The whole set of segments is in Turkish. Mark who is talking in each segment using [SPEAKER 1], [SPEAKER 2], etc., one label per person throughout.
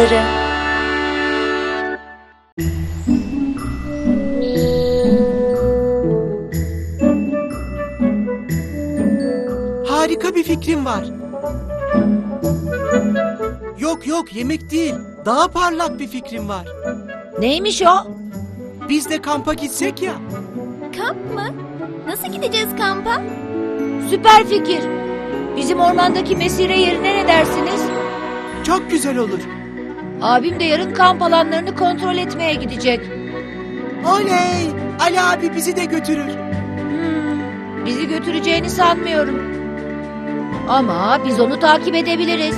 [SPEAKER 1] çadırı.
[SPEAKER 2] Harika bir fikrim var. Yok yok, yemek değil. Daha parlak bir fikrim var.
[SPEAKER 1] Neymiş o?
[SPEAKER 2] Biz de kampa gitsek ya.
[SPEAKER 3] Kamp mı? Nasıl gideceğiz kampa?
[SPEAKER 1] Süper fikir. Bizim ormandaki mesire yerine ne dersiniz?
[SPEAKER 2] Çok güzel olur.
[SPEAKER 1] Abim de yarın kamp alanlarını kontrol etmeye gidecek.
[SPEAKER 2] Oley! Ali abi bizi de götürür.
[SPEAKER 1] Bizi götüreceğini sanmıyorum. Ama biz onu takip edebiliriz.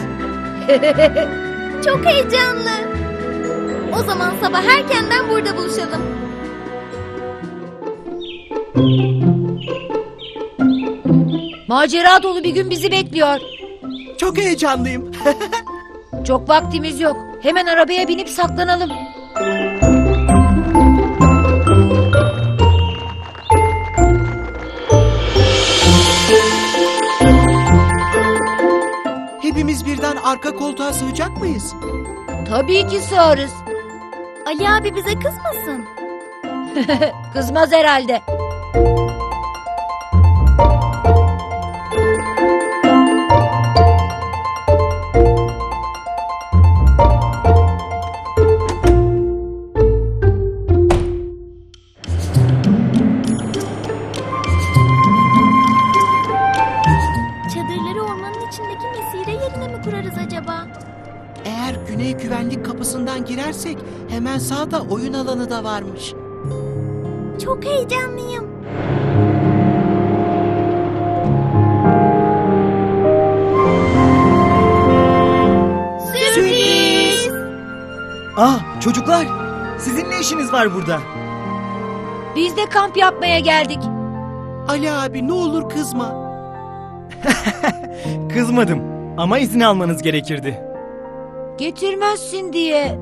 [SPEAKER 3] Çok heyecanlı. O zaman sabah erkenden burada buluşalım.
[SPEAKER 1] Macera dolu bir gün bizi bekliyor.
[SPEAKER 2] Çok heyecanlıyım.
[SPEAKER 1] Çok vaktimiz yok. Hemen arabaya binip saklanalım.
[SPEAKER 2] Hepimiz birden arka koltuğa sığacak mıyız?
[SPEAKER 1] Tabii ki sığarız.
[SPEAKER 3] Ali abi bize kızmasın.
[SPEAKER 1] Kızmaz herhalde.
[SPEAKER 3] Çadırları ormanın içindeki mesire yerine mi kurarız acaba?
[SPEAKER 2] Eğer güney güvenlik kapısından girersek hemen sağda oyun alanı da varmış.
[SPEAKER 3] Çok heyecanlıyım. Sürpriz!
[SPEAKER 4] Ah çocuklar, sizin ne işiniz var burada?
[SPEAKER 1] Biz de kamp yapmaya geldik.
[SPEAKER 2] Ali abi ne olur kızma.
[SPEAKER 4] Kızmadım ama izin almanız gerekirdi.
[SPEAKER 1] Getirmezsin diye.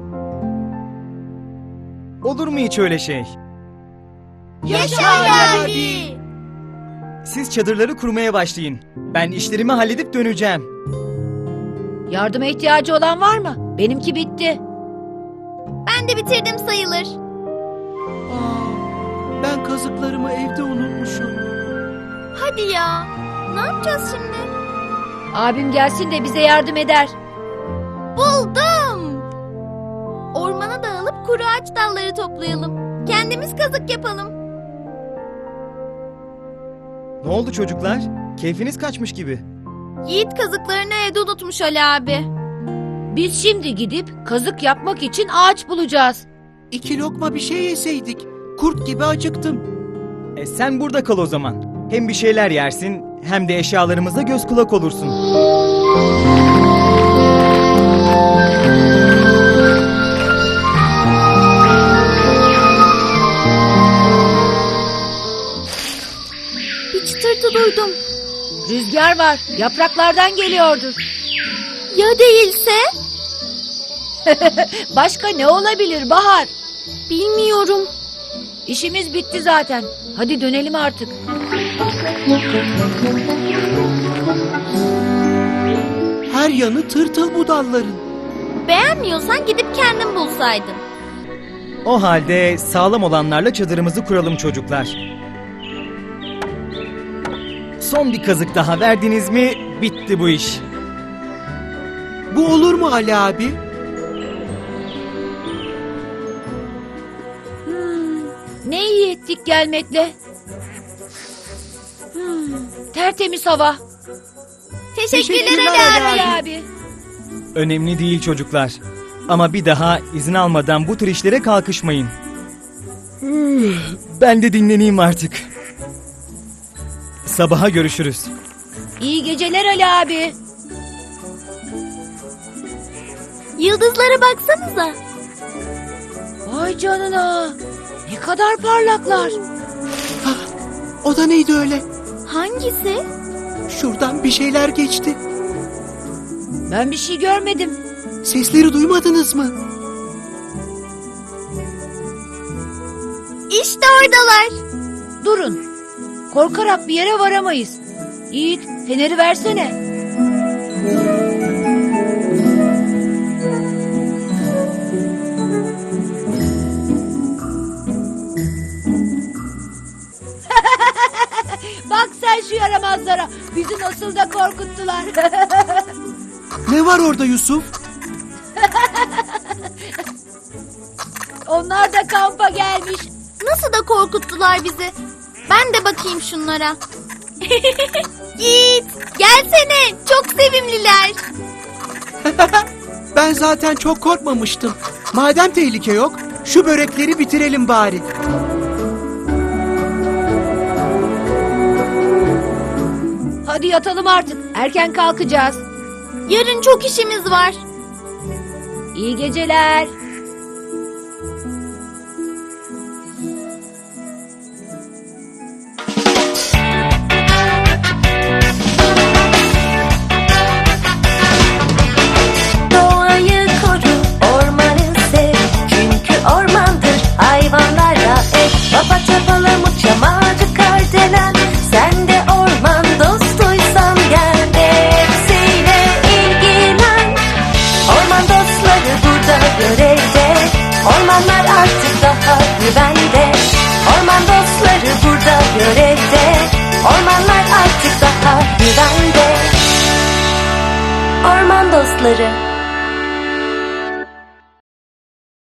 [SPEAKER 4] Olur mu hiç öyle şey?
[SPEAKER 3] Yaşa Ali abi!
[SPEAKER 4] Siz çadırları kurmaya başlayın. Ben işlerimi halledip döneceğim.
[SPEAKER 1] Yardıma ihtiyacı olan var mı? Benimki bitti.
[SPEAKER 3] Ben de bitirdim sayılır.
[SPEAKER 2] Aa, ben kazıklarımı evde unutmuşum.
[SPEAKER 3] Hadi ya. Ne yapacağız şimdi?
[SPEAKER 1] Abim gelsin de bize yardım eder.
[SPEAKER 3] Buldum. Ormana dağılıp kuru ağaç dalları toplayalım. Kendimiz kazık yapalım.
[SPEAKER 4] Ne oldu çocuklar? Keyfiniz kaçmış gibi.
[SPEAKER 3] Yiğit kazıklarını evde unutmuş Ali abi.
[SPEAKER 1] Biz şimdi gidip kazık yapmak için ağaç bulacağız.
[SPEAKER 2] 2 lokma bir şey yeseydik. Kurt gibi acıktım.
[SPEAKER 4] Sen burada kal o zaman. Hem bir şeyler yersin hem de eşyalarımıza göz kulak olursun.
[SPEAKER 3] Bir çıtırtı duydum.
[SPEAKER 1] Rüzgar var. Yapraklardan geliyordur.
[SPEAKER 3] Ya değilse?
[SPEAKER 1] Başka ne olabilir Bahar?
[SPEAKER 3] Bilmiyorum.
[SPEAKER 1] İşimiz bitti zaten. Hadi dönelim artık.
[SPEAKER 2] Her yanı tırtıl bu dalların.
[SPEAKER 3] Beğenmiyorsan gidip kendin bulsaydın.
[SPEAKER 4] O halde sağlam olanlarla çadırımızı kuralım çocuklar. Son bir kazık daha verdiniz mi bitti bu iş.
[SPEAKER 2] Bu olur mu Ali abi?
[SPEAKER 1] Ne iyi ettik gelmekle. Tertemiz hava.
[SPEAKER 3] Teşekkürler Ali abi.
[SPEAKER 1] Abi.
[SPEAKER 4] Önemli değil çocuklar. Ama bir daha izin almadan bu tür işlere kalkışmayın. Ben de dinleneyim artık. Sabaha görüşürüz.
[SPEAKER 1] İyi geceler Ali abi.
[SPEAKER 3] Yıldızlara baksanıza.
[SPEAKER 1] Vay canına. Ne kadar parlaklar.
[SPEAKER 2] O da neydi öyle?
[SPEAKER 3] Hangisi?
[SPEAKER 2] Şuradan bir şeyler geçti.
[SPEAKER 1] Ben bir şey görmedim.
[SPEAKER 2] Sesleri duymadınız mı?
[SPEAKER 3] İşte oradalar.
[SPEAKER 1] Durun. Korkarak bir yere varamayız. Yiğit, feneri versene. Bak sen şu yaramazlara. Bizi nasıl da korkuttular.
[SPEAKER 2] Ne var orada Yusuf?
[SPEAKER 1] Onlar da kampa gelmiş.
[SPEAKER 3] Nasıl da korkuttular bizi. Ben de bakayım şunlara. Yiğit, gelsene. Çok sevimliler.
[SPEAKER 2] Ben zaten çok korkmamıştım. Madem tehlike yok, şu börekleri bitirelim bari.
[SPEAKER 1] Hadi yatalım artık. Erken kalkacağız.
[SPEAKER 3] Yarın çok işimiz var.
[SPEAKER 1] İyi geceler.
[SPEAKER 5] Doğayı koru, ormanı sev. Çünkü ormandır hayvanlarla ev. Papatya, palamut, çam ağacı, kardelen. Sen de orman dostuysan gel de hepsiyle ilgilen. Orman dostları burada görevde. Ormanlar artık daha güvende. Orman dostları burada görevde. Ormanlar artık daha güvende. Orman dostları.